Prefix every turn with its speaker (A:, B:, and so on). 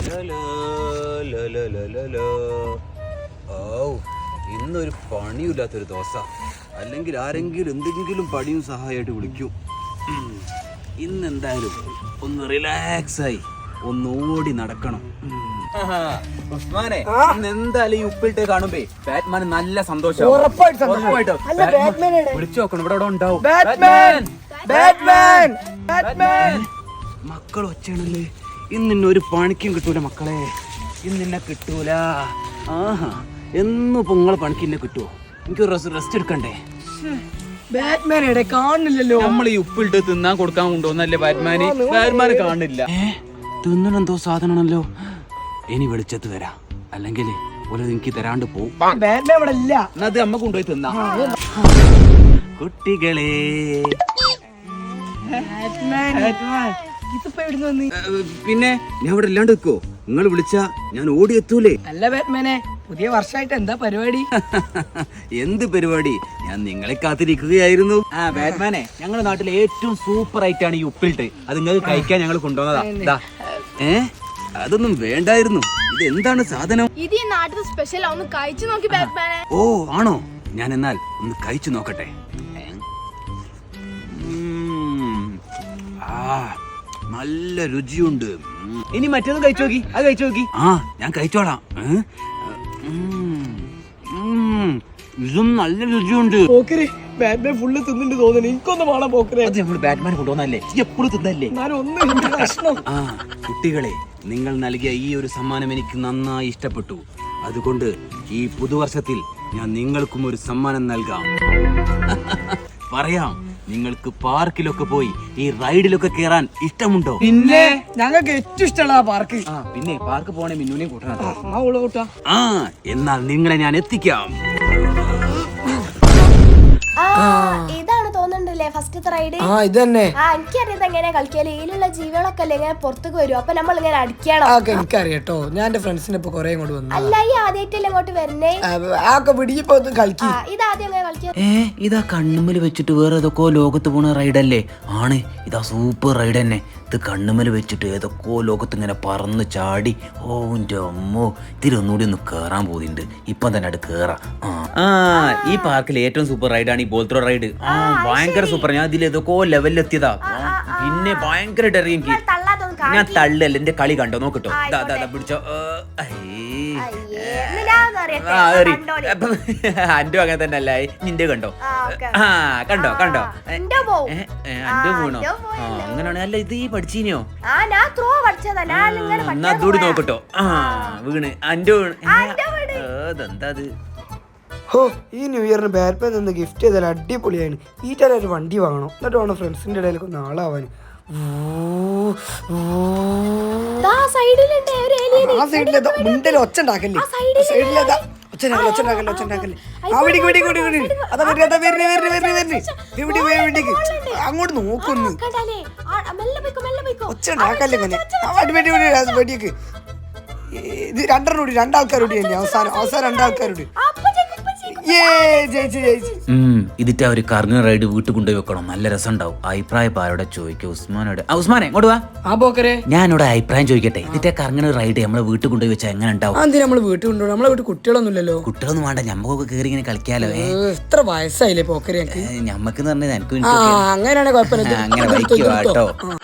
A: ഇന്നൊരു പണിയില്ലാത്തൊരു ദിവസം, അല്ലെങ്കിൽ ആരെങ്കിലും എന്തെങ്കിലും പണിയും സഹായമായിട്ട് വിളിക്കും. ഇന്നെന്തായാലും ഒന്ന് റിലാക്സായി ഒന്ന് ഓടി നടക്കണം. ഉസ്മാനെ, എന്തായാലും ഈ ഉപ്പിട്ട് കാണുമ്പേ ബാറ്റ്മാൻ നല്ല സന്തോഷം. വിളിച്ചു നോക്കണം, ഇവിടെ ഉണ്ടാവും. മക്കൾ ഒച്ചയാണല്ലേ, ഇന്ന് ഒരു പണിക്കും കിട്ടൂല മക്കളെ, ഇന്നെ കിട്ടൂല. ആഹാ, എന്നും പൊങ്ങളെ പണിക്ക് ഇന്നെ കിട്ടുവോ? എനിക്ക് റെസ്റ്റ് എടുക്കണ്ടേ?
B: ബാറ്റ്മാൻ എവിടെ കാണില്ലല്ലോ.
A: നമ്മൾ ഈ ഉപ്പിട്ട് തിന്നാൻ കൊടുക്കാൻ കൊണ്ടുവന്നല്ലേ ബാറ്റ്മാന് കാണില്ല. തിന്നണെന്തോ സാധനമാണല്ലോ. ഇനി വെളിച്ചത്ത് തരാം, അല്ലെങ്കിൽ ഒരു എനിക്ക് തരാണ്ട് പോവും.
B: ബാറ്റ്മാൻ ഇവിടെ ഇല്ല.
A: അത് അമ്മ കൊണ്ടുപോയി തിന്നാ. കുട്ടികളെ, പിന്നെ ഞാൻ ഇവിടെ ഇല്ലാണ്ട് വെക്കോ? നിങ്ങൾ വിളിച്ചാ ഞാൻ ഓടിയെത്തൂലേ?
B: അല്ല ബാറ്റ്മാനെ, പുതിയ വർഷമായിട്ട് എന്താ പരിപാടി?
A: എന്ത് പരിപാടി, ഞാൻ നിങ്ങളെ കാത്തിരിക്കുകയായിരുന്നു. ബാറ്റ്മാനെ, ഞങ്ങളുടെ നാട്ടിലെ ഏറ്റവും സൂപ്പർ ആയിട്ടാണ് ഈ ഉപ്പിലിട്ട്. അത് നിങ്ങൾക്ക് കഴിക്കാൻ ഞങ്ങൾ കൊണ്ടുവന്നതാ. അതൊന്നും വേണ്ടായിരുന്നു. ഇത് എന്താണ് സാധനം?
C: ഇത് ഈ നാട്ടിലെ സ്പെഷ്യൽ, ഒന്ന് കഴിച്ചു നോക്കി ബാറ്റ്മാനെ.
A: ഓ ആണോ? ഞാൻ എന്നാൽ ഒന്ന് കഴിച്ചു നോക്കട്ടെ. നല്ല രുചിയുണ്ട്.
B: ഇനി മറ്റൊന്നും കഴിച്ചു നോക്കി. അത് കഴിച്ചു നോക്കി.
A: ഞാൻ കഴിച്ചോളാം. ഇതും നല്ല രുചിയുണ്ട്.
B: പോക്കര് ബാറ്റ്മാൻ ഫുള്ള് തിന്നിട്ട് തോന്നുന്നു. എനിക്കൊന്നും വേണം പോക്കരെ.
A: അത് നമ്മൾ ബാറ്റ്മാൻ കൊണ്ടുവന്നല്ലേ, എപ്പോഴും തിന്നല്ലേ. കുട്ടികളെ, നിങ്ങൾ നൽകിയ ഈ ഒരു സമ്മാനം എനിക്ക് നന്നായി ഇഷ്ടപ്പെട്ടു. അതുകൊണ്ട് ഈ പുതുവർഷത്തിൽ ഞാൻ നിങ്ങൾക്കും ഒരു സമ്മാനം നൽകാം. പറയാം, നിങ്ങൾക്ക് പാർക്കിലൊക്കെ പോയി ഈ റൈഡിലൊക്കെ കേറാൻ ഇഷ്ടമുണ്ടോ?
B: പിന്നെ ഞങ്ങൾക്ക് ഏറ്റവും ഇഷ്ടമുള്ള പാർക്ക്.
A: പിന്നെ പാർക്ക് പോണേ മിന്നുനെ കൂട്ടണം. എന്നാൽ നിങ്ങളെ ഞാൻ എത്തിക്കാം.
C: ഇതാണ് തോന്നുന്നുണ്ടല്ലേ ഫസ്റ്റത്തെ റൈഡ്?
B: ഇതന്നെ.
C: എനിക്കറിയാം എങ്ങനെയാ കളിക്കാല്. ഇതിലുള്ള ജീവികളൊക്കെ അല്ലേ ഇങ്ങനെ പുറത്തേക്ക് വരും, അപ്പൊ നമ്മൾ ഇങ്ങനെ അടിക്കണം.
B: എനിക്കറിയാട്ടോ, ഞാൻ എന്റെ ഫ്രണ്ട്സിനെ ഇപ്പൊ കൊറേ കൊണ്ട് വന്നു.
C: അല്ല, ഈ ആദ്യമായിട്ടല്ലേ ഇങ്ങോട്ട് വരുന്നേ? ഇതാദ്യം എങ്ങനെ കളിക്കാം?
A: ഇതാ കണ്ണുമ്മല് വെച്ചിട്ട് വേറെ ഏതൊക്കെയോ ലോകത്ത് പോണ റൈഡല്ലേ? ആണ്, ഇതാ സൂപ്പർ റൈഡ് തന്നെ. ഇത് കണ്ണുമ്മല് വെച്ചിട്ട് ഏതൊക്കെയോ ലോകത്ത് ഇങ്ങനെ പറന്ന് ചാടി. ഓ എന്റെ അമ്മോ, ഇതിലൊന്നുകൂടി ഒന്ന് കേറാൻ പോകുന്നുണ്ട്. ഇപ്പം തന്നെ അത് കേറാം. ഈ പാർക്കിൽ ഏറ്റവും സൂപ്പർ റൈഡാണ് ഈ ബോൾത്രോ റൈഡ്. ഭയങ്കര സൂപ്പർ. ഞാൻ ഇതിൽ ഏതൊക്കെയോ ലെവലിലെത്തിയതാ. പിന്നെ ഭയങ്കരമായിട്ട് ഇറങ്ങി എനിക്ക്. ഞാൻ തള്ളല്ല, എന്റെ കളി കണ്ടോ? നോക്കട്ടോ, പിടിച്ചോ. അന്റെ അങ്ങനെ തന്നെ അല്ല, നിന്റെ കണ്ടോ? കണ്ടോ കണ്ടോ? അന്റെ വീണോ? അങ്ങനെയാണ്. അല്ല, ഇത് ഈ പഠിച്ചീനോ? എന്നാ അതൂടി നോക്കട്ടോ. വീണ് അന്റെ വീണ്. അതെന്താ അത്?
B: ഈ ന്യൂ ഇയറിന് ബാറ്റ്മാൻ നിന്ന് ഗിഫ്റ്റ് ചെയ്താൽ അടിപൊളിയാണ്. ഈറ്റൊരു ഒരു വണ്ടി വാങ്ങണം, എന്നിട്ട് വേണം ഫ്രണ്ട്സിന്റെ ഇടയിലേക്ക് ഒന്ന് ആളാവാൻ. ഒച്ച ഉണ്ടാക്കല്ലേ, അങ്ങോട്ട് നോക്കുന്നു. ഒച്ച ഉണ്ടാക്കല്ലേ വെടിയൊക്കെ. ഇത് രണ്ടാൾക്കാരോട് തന്നെ അവസാനം രണ്ടാൾക്കാരോട്.
A: ഇതിട്ട് അവര് കറങ്ങുന്ന റൈഡ് വീട്ടിൽ കൊണ്ടുപോയി വെക്കണം. നല്ല രസം ഉണ്ടാവും. അഭിപ്രായം ആരോടെ ചോദിക്കും? ഉസ്മാനോട്. ഉസ്മാനെ ഇങ്ങോട്ട് വാ. ഞാനിവിടെ അഭിപ്രായം ചോദിക്കട്ടെ. ഇതിന്റെ കറങ്ങുന്ന റൈഡ് നമ്മളെ വീട്ടിൽ കൊണ്ടുപോയി വെച്ചാൽ എങ്ങനെ ഉണ്ടാവും?
B: നമ്മള് വീട്ടിൽ കൊണ്ടുപോകും. നമ്മളെ വീട്ടിൽ കുട്ടികളൊന്നുമില്ലല്ലോ.
A: കുട്ടികളൊന്നും വേണ്ട, ഞമ്മക്കൊക്കെ കയറി ഇങ്ങനെ കളിക്കാലോ.
B: എത്ര വയസ്സായില്ലേ പോക്കരെ?
A: ഞമ്മക്ക് പറഞ്ഞത് എനിക്ക്
B: അങ്ങനെയാണെങ്കിൽ
A: അങ്ങനെ വയ്ക്കുവാട്ടോ.